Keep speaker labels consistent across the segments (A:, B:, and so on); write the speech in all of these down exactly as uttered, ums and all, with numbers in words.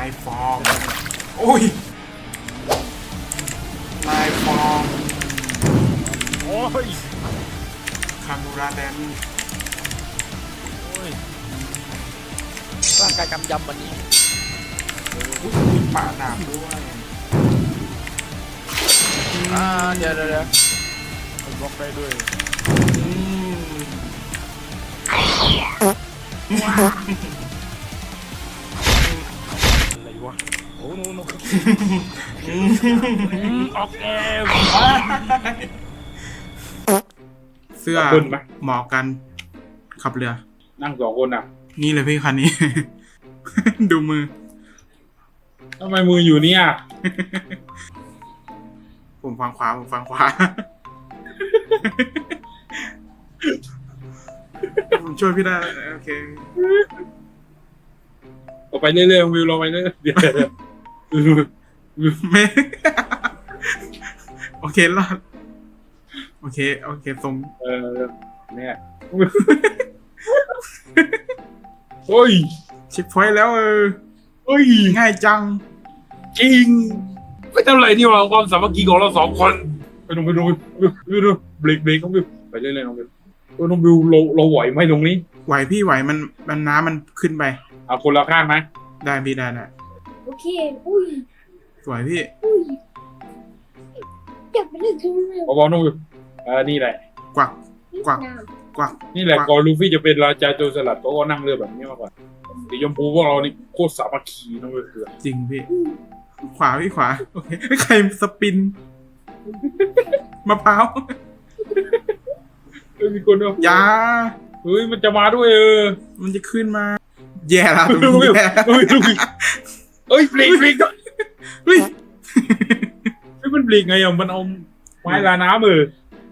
A: ายฟอร์มโอ้ยนายฟอร์ม
B: โอ้ย
A: คามูราแดน
B: โอ้ยร่างกายกำยำวันนี้
A: อุ้ยมีป่าหนามด้วย
B: อ่าเดี๋ยวเดี๋ยวเดี๋ยวบล็อกได้ด้วย
A: อืม
B: อะไรวะโอ้โนโนออกแอม
A: เสื้อเหมาะกันขับเรือ
C: นั่งสองคนอ่ะ
A: นี่เลยพี่คันนี้ ดูมือ
C: ทำไมมืออยู่เนี่ย
A: ผมฟังขวาผมฟังขวา ผมช่วยพี่ได้โอเค
C: ออกไปเรื่อยๆวิวลงไปเรื่อยๆเดี๋ยว
A: ไม่ โอเครอดโอเคโอเคทรง
C: เออเนี่ยโอ้ย
A: เช็คพอยต์แล้วเออ
C: เฮ้ย
A: ง่ายจัง
C: จริงไม่ทำไรนี่หว่าความสามัคคีของเราสองคนไปดูไปดูไปดูเบรกเบรกน้องวิวไปเรื่อยๆน้องวิวโอ้น้องวิวเราเราไหวไหมตรงนี้
A: ไหวพี่ไหวมันมันน้ำมันขึ้นไป
C: เอาคนละข้างไหม
A: ได้พี่ได้ได้
D: โอเคอุ้ย
A: สวยพี่
D: อุ้ยอยากไปเล่นกันเลย
C: บอลน้องวิวอ่านี่แหละ
A: กวักกวักกวัก
C: นี่แหละก่อนลูฟี่จะเป็นราชาโจรสลัดเขาก็นั่งเรือแบบนี้มาก่อนสีชมพูพวกเรานี่โคตรสามัคคีน้องวิวคือ
A: จริงพี่ขวาพี่ขวาโอเคใครสปินมะพร้าว
C: เฮ้ยมีคนด้วย
A: ยา
C: เฮ้ยมันจะมาด้วยเออ
A: มันจะขึ้นมาแย่ละตรงนี้แย่
C: เฮ้ยเฮ้ยบลิกบลิก
A: เฮ้ย
C: เฮ้ยมันบลิกไงอ่ะมันเอาไม้ลาน้ำมือ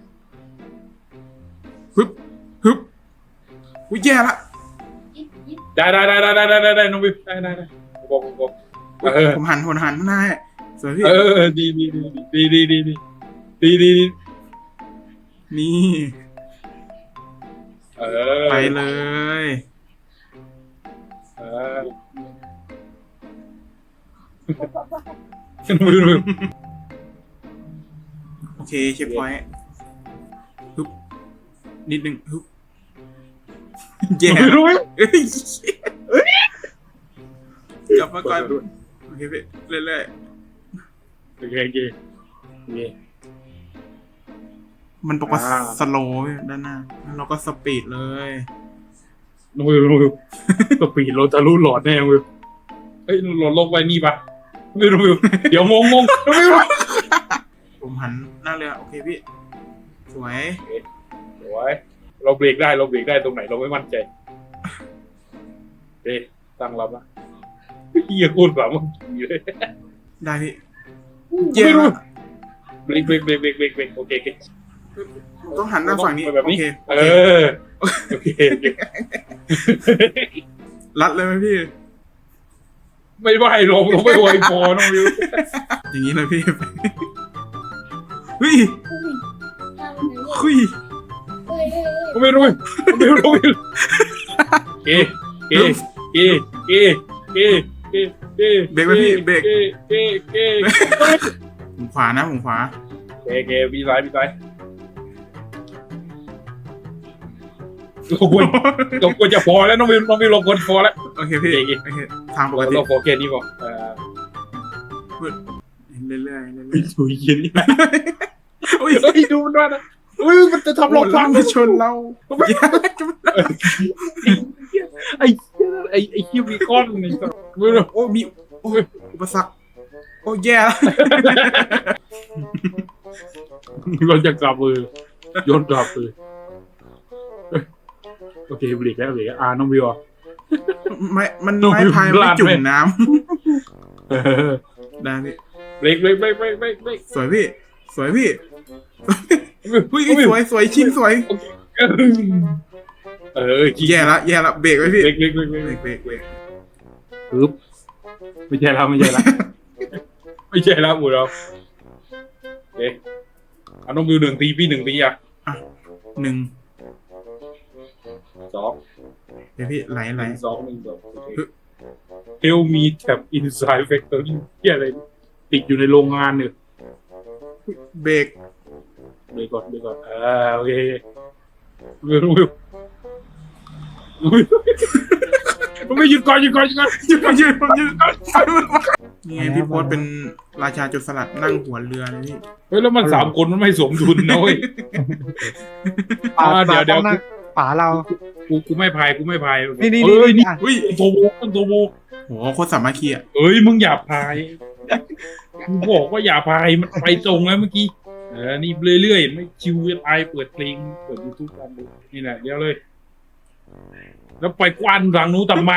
A: ฮึบฮึบอุ้ยแย่ละ
C: ได้ได้ได้ได้ได้ได้ได้น้องวิวได้ได้ได้บอกบอก
A: ผมหันผมหันหน้าสวยพี่
C: เออดีดีดีดีดีดีดีดีดี
A: นี่
C: เออ
A: ไปเลย
C: เออน้องวิว
A: โอเคเช็คพอยต์ฮึบนิดนึงฮึบแย่
C: รู้ไหม
A: กลับมาก่อนโอเคพี่เรื่อย
C: ๆโอเคโอเคโอเค
A: มันบอกว่าสโลว์ด้านหน้าเราก็สปีดเลย
C: น้องวิวน้องวิวสปีดเราจะรู้หลอดแน่วิวเฮ้ยหลอดลงไปนี่ปะไม่รู้วิวเดี๋ยวงงงงน้องวิว
A: ผมหันหน้าเรือโอเคพี่สวย
C: สวยเราเบรกได้เราเบรกได้ตรงไหนเราไม่มั่นใจเอ๊ะตั้งรับนะเฮียโคตรสามัคคีเลย
A: ได้พี่เย้
C: เบรกเบรกเบรกเบรกเบรกเบรกโอเคโอเค
A: ต้องหันหน้าฝั่งนี้
C: แบบนี้เออโอเค
A: รัดเลยไหมพี่
C: ไม่ไหวลงลงไม่ไหวพอน้องวิว
A: อย่างนี้เลยพี่เฮ้ยเฮ้ย
C: ไม่รู้ไม่รู้ไม่รู้เก๋เก๋เก๋เก๋เก๋เก๋เก๋
A: เบรกไหมพี่เบรก
C: เก๋เก๋เก๋
A: ผมขวานะผมขวา
C: เก๋เก๋พี่ซ้ายพี่ซ้ายเราควรเราควรจะพอแล้วน้องวิวน้องวิวเราควรพอแล้ว
A: โอเคพี่โอเคทางปกติ
C: เราพอแค่นี้พอเออ
A: เรื่อยๆเรื่อย
C: ๆดูยินนี่โอ้ยดูมันด้วยนะอุ้ยมันจะทำเราพัง
A: มาชนเรา
C: ไอ้ไอ้ไอ้คิวบีคอนนี่
A: โอ้มีโอ้ยอุปสรรคโอ้แย่แล้ว
C: เราจะกลับมือโยนกลับมือโอเคบลิกแล้วบลิกอ่าน้องวิว
A: ไม่มันไม้พายไม่จุ่มน้ำได้พี่
C: บลิกบลิกบลิกบลิกบลิก
A: สวยพี่สวยพี่เฮ้ยสวยสวยชิ้นสวย
C: เออ
A: แย่ละแย่ละเบรกไว้พี่
C: เบรกเบรกเบรก
A: เบรกเบรกเบรก
C: ปึ๊บไม่ใช่แล้วไม่ใช่แล้วไม่ใช่แล้วหมูเราโอเคเอาน้องวิวหนึ่งตีพี่หนึ่งตีอ่ะ
A: หนึ่ง
C: สอง
A: เดี๋ยวพี่ไหลไหล
C: สองหนึ่งสองเฮลมีแท็บอินไซด์แฟคทอรี่ที่อะไรติดอยู่ในโรงงานเนี่ย
A: เบรก
C: เดี๋ยวก่อนเดี๋ยวก่อนอ่าโอเควิววิววิวไม่หยุดก่อนหยุดก่อนหยุดก่อน
A: หยุดก่อนหยุดก่อนหยุดก่อนนี่ไงพี่โพสเป็นราชาโจรสลัดนั่งหัวเรือเลยพี่
C: เฮ้ยแล้วมันสามคนมันไม่สมดุลนะเว้ย
B: ป่า
C: อ่าเดี๋ยวเดี๋ยว
B: ป่าป่าเรา
C: กูกูไม่พายกูไม่พาย
B: นี่นี่
C: เอ้ย
B: นี่
C: นี่
B: อ่ะ
A: อุ้ย
C: โตโบโตโบ
A: โหโคตรสามัคคีอ่ะ
C: เอ้ยมึงอย่าพายกูบอกว่าอย่าพายมันไปตรงแล้วเมื่อกี้เออนี่เรื่อยๆไม่ชิวจะตายเปิดเพลงเปิดยูทูบกันดูนี่แหละเดี๋ยวเลย แล้วไปกว้านทางนู้นทำไม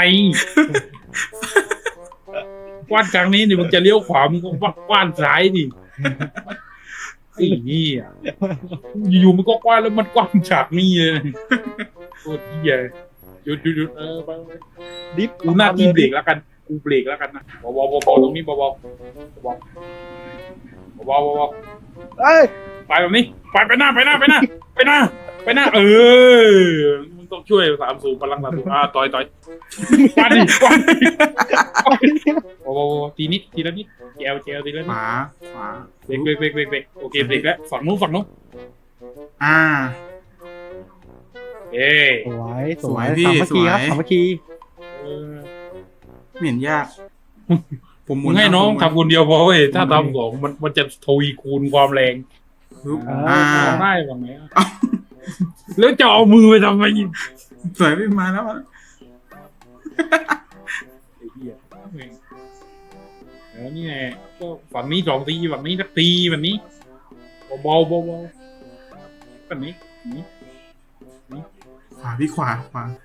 C: กว้านทางนี้นี่มึงจะเลี้ยวขวามึงก็กว้านซ้ายดิไอ้นี่อ่ะอยู่ๆมันก็กว้านแล้วมันกว้านฉากนี้เลยโคตรเหี้ยหยุดหยุดหยุดเออไปไป
B: ดิฟ
C: กูหน้าที่เบรกแล้วกันกูเบรกแล้วกันนะเบาๆเบาๆตรงนี้เบาๆเบาๆเบาๆเบา
B: เอ้ย
C: ๆไปแบบนี้ไปไปหน้าไปหน้าไปหน้าไปหน้าไปหน้าเออมึงต้องช่วยสามสูบพลังสามสูบอ่าต่อยต่อยกว้านดิกว้านดิเบาๆทีนิดทีละนิดแจวแจวทีละ
A: ข
C: นิด
A: วาขวา
C: เบรกเบรกเบรกเบรกเบรกโอเคเบรกแล้วฝั่งนู้นฝั่งนู้น
A: อ่า
C: เอ้ย
B: สวยส
A: ส
B: ว
A: วย ยพี่
B: สามัคคีครับ
A: สวย
B: สามัคคี
C: เออ
A: ไม่เห็นยาก ผมหมุ
C: มึ
A: น
C: งให้น้อง
A: ผมหมุ
C: ทำคนเดียวพอเว้ยถ้าทำสองมันมันจะทวีคูณความแรง
A: ปึ๊บ
B: อ่า
A: อ่า
C: ทำได้บ้างไหมอ่ะแล้วจะเอามือไปทำไมอีก
A: สวยพี่มาแล้วมาแล้ว
C: ไอ้เหี้ยแล้วนี่แหละก็ฝั่งนี้สองตีฝั่งนี้สักตีแบบนี้เบาๆเบาๆฝั่งนี้นี้
A: ขวาพี่ขวาขวา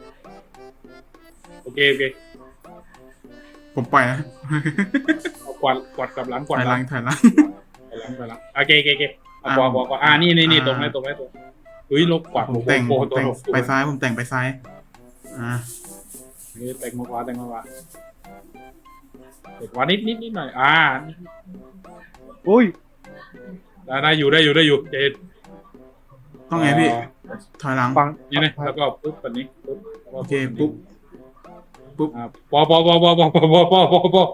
C: โอเคโอเค
A: ผมปล่อยนะ
C: เอากวาดกวาดกลับหลังก
A: ถ
C: วา
A: อ
C: ด
A: ย
C: ห
A: ห
C: ลั
A: ลั
C: ง
A: งถอยหลัง
C: กวาดหลังกวาดหลังโอเคโอเคโอเคเอากวาดกวาดกวาดอ่านี่นี่นี่ตรงนี้ตรงนี้ตรงเฮ้ยลบกวาด
A: ผมแต่ง
C: โอ้
A: ผ
C: โห
A: มแต่ง
C: ตัว
A: ไปซ้ายผมแต่งไปซ้ายอ่า
C: เฮ้ยแต่งมากวาดแต่งมากวาดแต่กวาดนิดนิดนิดหน่อยอ่า
B: อุ้ย
C: ได้ได้อยู่ได้อยู่ได้อยู่เจ็ด
A: ต้องไงพี่ถอยหลัง
B: ฟัง
C: นี่นะแล้วก็ปุ๊บแบบนี้ปุ๊บ
A: โอเคปุ๊บปุ๊บ
C: อ่าปอปอปอปอปอปอปอปอปอปอ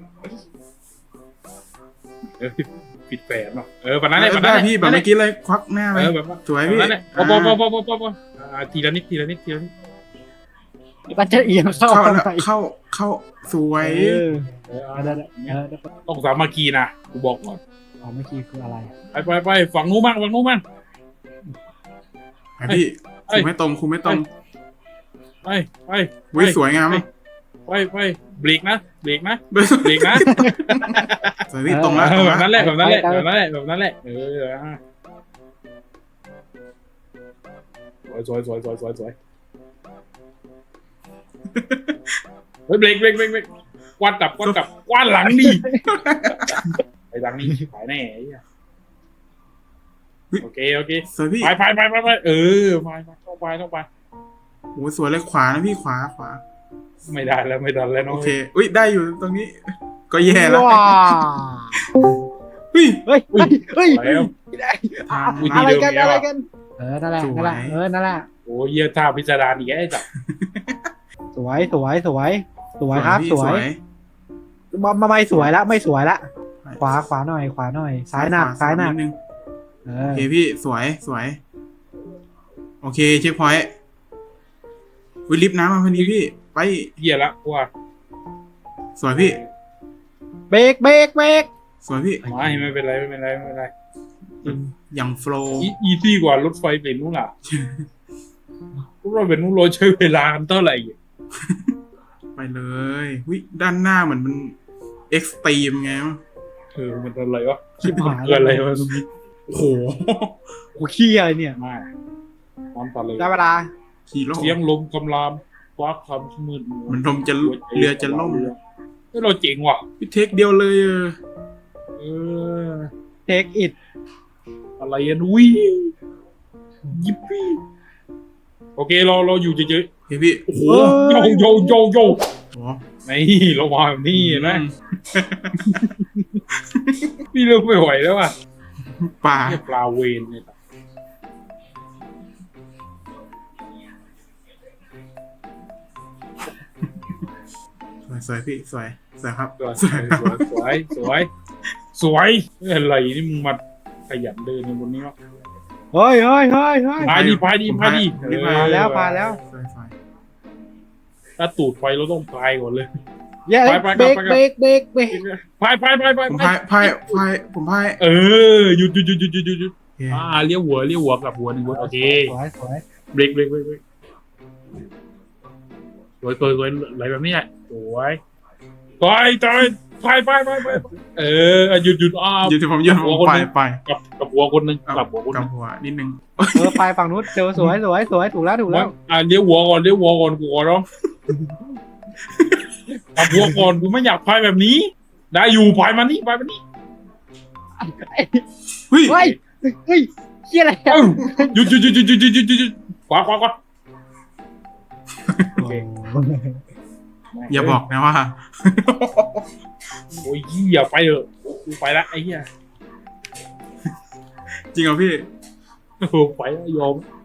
C: เออปิดแฝงเนาะเออแบบนั้นแหละแบบ
A: ได้
C: นั้นแหละ
A: พี่แบบเมื่อกี้เลยควักหน้าไป
C: เออแบบนั้น
A: สวย
C: แบบ
A: พี่
C: นั้นแหละปอปอปอปอปอปอปออ่าทีละนิดทีละนิดทีละนิด
B: มันจะเอียงเข้า
A: เข้า
B: ทำ
A: แล้ว
B: ไม
A: เข้าเข้าสวย
B: เออ
C: เออ
B: เอ
C: เอา
B: อได้
C: ละ
B: ได้เออได้
C: ต้องสามัคคีนะกูบอกก่อน
B: สามัคคีคืออะไร
C: ไปไปไปฝั่งนู้นมั่งฝั่งนู้นมั่ง
A: ไปพี่
C: เอ้
A: คุ
C: ย
A: มไม่ตรงคุมไม่ตรง
C: ไปไป
A: วิสวยงาม
C: ไปไปเบรกนะเบรกนะ
A: เบรก
C: เบรกนะ
A: สวยพี่ตรงแล้ว
C: เอ
A: ตร
C: อง แบบ
A: แล้ว
C: นั้นแหละแบบนั้นแหละแบบนั้นแหละแบบนั้นแหละเอออ่ะสวยสวยสวยสวยสวยเฮ้ยเบรกเบรกเบรกเบรกกวาดกลับกวาดกลับกวาดหลังดิไปหลังนี่ขายแน่ไอ้เหี้ยโอเคโอเค
A: สวยพี่
C: ไปไปไปไปไปเออไปไปต้องไปต้องไป
A: โอ้สวยเลยขวานะพี่ขวาขวา
C: ไม่ได้แล้วไม่ได้แล้วน้อ
A: โอง เคอุ้ยได้อยู่ตรงนี้ ก็แย่แล้ว
B: ว้า
A: เฮ้ย
B: เฮ้ยเฮ้ยเฮ้ย
C: แล้ว
A: ทาง
C: วิธี
B: อะไร
C: เดิม
B: กัน
C: เนี่ย
B: อะไร
C: ว่ะ
B: กันเออนั่นแหละนั่นแหละเออนั่นแหละ
C: โอ้ยเยี่ยท่าพิจารณาอีกไอ้จับ
B: สวยสวยสวยสวยครับ
A: พี่
B: สวยมามาไม่สวยละไม่สวยละขวาขวาหน่อยขวาหน่อยซ้ายหนักซ้ายหนัก
A: ดนึง
B: เอ
A: โอ
B: อ
A: เคพี่สวยสวย โอเคเช็คพอยต์วิลิฟต์น้ำมาพอดีพี่ ไป
C: เยี่ยละว่า
A: สวยพี่
B: เบรกเบรกเบรก
A: สวยพี่
C: ไม่ไม่เป็นไรไม่เป็นไรไม่เป็นไร
A: อย่างโฟล์
C: อีอีซี่กว่ารถไฟเป็นนู้นล่ะรถไฟเป็นนู้นเราใช้เวลากันเท่าไหร่
A: ไปเลยวิด้านหน้าเหมือนมันเอ็กซ์ตรีมไงวะ
C: เออมันอะไรวะ
B: ชิบหาย
C: เกิดอะไรวะ
A: โอ้โห
B: กูขี้อะไรเนี่ย
C: มาความตัดเลย
B: ได้เวลา
A: ขี่โล
C: เสียงลมกำรามฟ้าคำมืด
A: เหมันลมจะเรือจะล่มเลย
C: เฮ้ยเราเจ๋งว่ะ
A: พี่เทคเดียวเลยเออ
C: เออ
B: เทคอิด
C: อะไรอ่ะนุ้ยยิปปี้โอเคเราเราอยู่เฉย
A: เฮ้ยพี่โอ้โห
C: ๆโยโยโยโย
A: โอ้
C: นี่เรามาแบบนี้เห็นไหมพี่เริ่มไม่ไหวแล้วอ่ะ
A: ป่า
C: เรียกปลาเวนเนี่ย
A: สวยวยสวยพี่สวยสวยครับ
C: สวยสวยสวยสวยสวยอะไรนี่มึงมาขยันเดินในบนนี้วะ
B: เฮ้ยเฮ้ยเฮ้ยเฮ้ย
C: พายดีพายดีพายดี
A: ผมพาย
B: ผ่านแล้วผ่านแล้ว
A: สวยสวย
C: ถ้าตูดไฟเราต้องพายก่อนเลย
B: แย่
C: ไปไป
B: เบรก
C: ไป
B: เบรกเบรกเบรก
C: พายพายพายพาย
A: ผมพายพายพายผมพาย
C: เออหยุดหยุดหยุดหยุดหยุดหยุดหยุด
A: โอเค
C: อ่าเลี้ยวหัวเลี้ยวหัวกับหัวหนึ่งหัวโอเค
B: สวยสวย
C: เบรกเบรกเบรกเบรกสวยสวยสวยไหลแบบนี้แหละสวยไปไปไปไปไปไปเออหยุดหยุดอ้าว
A: หยุดที่ผมหยุดผมไปไป
C: กับกับหัวคนหนึ่ง
A: เอา
C: กับหัวคนห
A: กับ
C: นึ่ง
A: หัวนิดนึง
B: เออไปฝั่งนู้นเจอสวยสวยสวยถูกแล้วถูกแล้ว
C: อ่าเลี้ยวหัวก่อนเลี้ยวหัวก่อนกูขอร้องกับหัวก่อนกูไม่อยากพายแบบนี้ ได้อยู่พายมานี่พายมานี่
A: เฮ้ย
B: เฮ้ยเฮ้ยเฮียอะไร
C: เอ้าหยุดหยุดหยุดหยุดหยุดหยุดหยุดหยุดหยุดขวาขวาขวา
A: อย่าบอกนะว่า
C: โอ้ยเหี้ยไปเถอะกูไปละไอ้เหี้ย
A: จริงเหรอพี่
C: โอ้ไปแล้วยอม